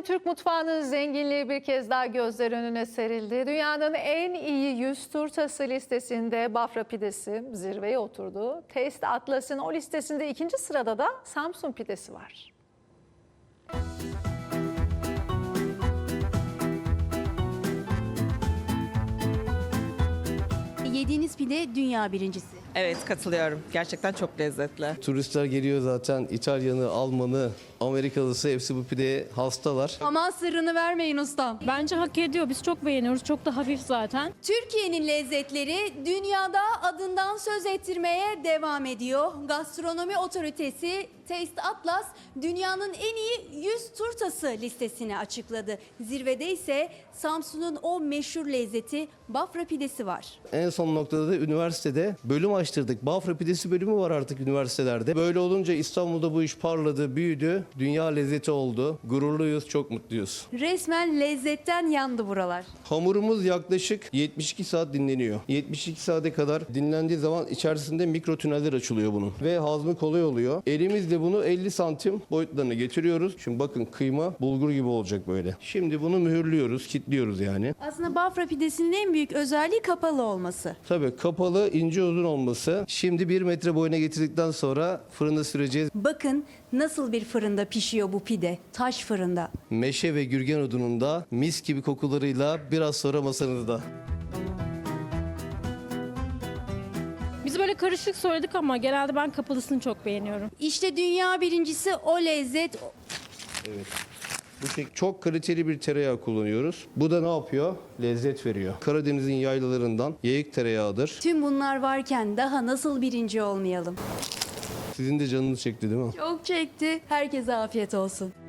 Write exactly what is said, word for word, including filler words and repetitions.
Efendim, Türk mutfağının zenginliği bir kez daha gözler önüne serildi. Dünyanın en iyi yüz turtası listesinde Bafra pidesi zirveye oturdu. Taste Atlas'ın o listesinde ikinci sırada da Samsun pidesi var. Yediğiniz pide dünya birincisi. Evet, katılıyorum. Gerçekten çok lezzetli. Turistler geliyor zaten. İtalyanı, Almanı, Amerikalısı hepsi bu pideye hastalar. Aman sırrını vermeyin ustam. Bence hak ediyor. Biz çok beğeniyoruz. Çok da hafif zaten. Türkiye'nin lezzetleri dünyada adından söz ettirmeye devam ediyor. Gastronomi otoritesi Taste Atlas dünyanın en iyi yüz turtası listesini açıkladı. Zirvede ise Samsun'un o meşhur lezzeti Bafra pidesi var. En son noktada da üniversitede bölüm açtırdık. Bafra pidesi bölümü var artık üniversitelerde. Böyle olunca İstanbul'da bu iş parladı, büyüdü. Dünya lezzeti oldu. Gururluyuz, çok mutluyuz. Resmen lezzetten yandı buralar. Hamurumuz yaklaşık yetmiş iki saat dinleniyor. yetmiş iki saate kadar dinlendiği zaman içerisinde mikro tüneller açılıyor bunun. Ve hazmı kolay oluyor. Elimizle bunu elli santim boyutlarına getiriyoruz. Şimdi bakın, kıyma bulgur gibi olacak böyle. Şimdi bunu mühürlüyoruz, kilitliyoruz yani. Aslında Bafra pidesinin en büyük özelliği kapalı olması. Tabii kapalı, ince uzun olması. Şimdi bir metre boyuna getirdikten sonra fırında süreceğiz. Bakın nasıl bir fırında pişiyor bu pide. Taş fırında. Meşe ve gürgen odununda mis gibi kokularıyla biraz sonra masanızda. Biz böyle karışık söyledik ama genelde ben kapalısını çok beğeniyorum. İşte dünya birincisi o lezzet. Evet. Bu şey çok kaliteli bir tereyağı kullanıyoruz. Bu da ne yapıyor? Lezzet veriyor. Karadeniz'in yaylalarından yayık tereyağıdır. Tüm bunlar varken daha nasıl birinci olmayalım? Sizin de canınız çekti değil mi? Çok çekti. Herkese afiyet olsun.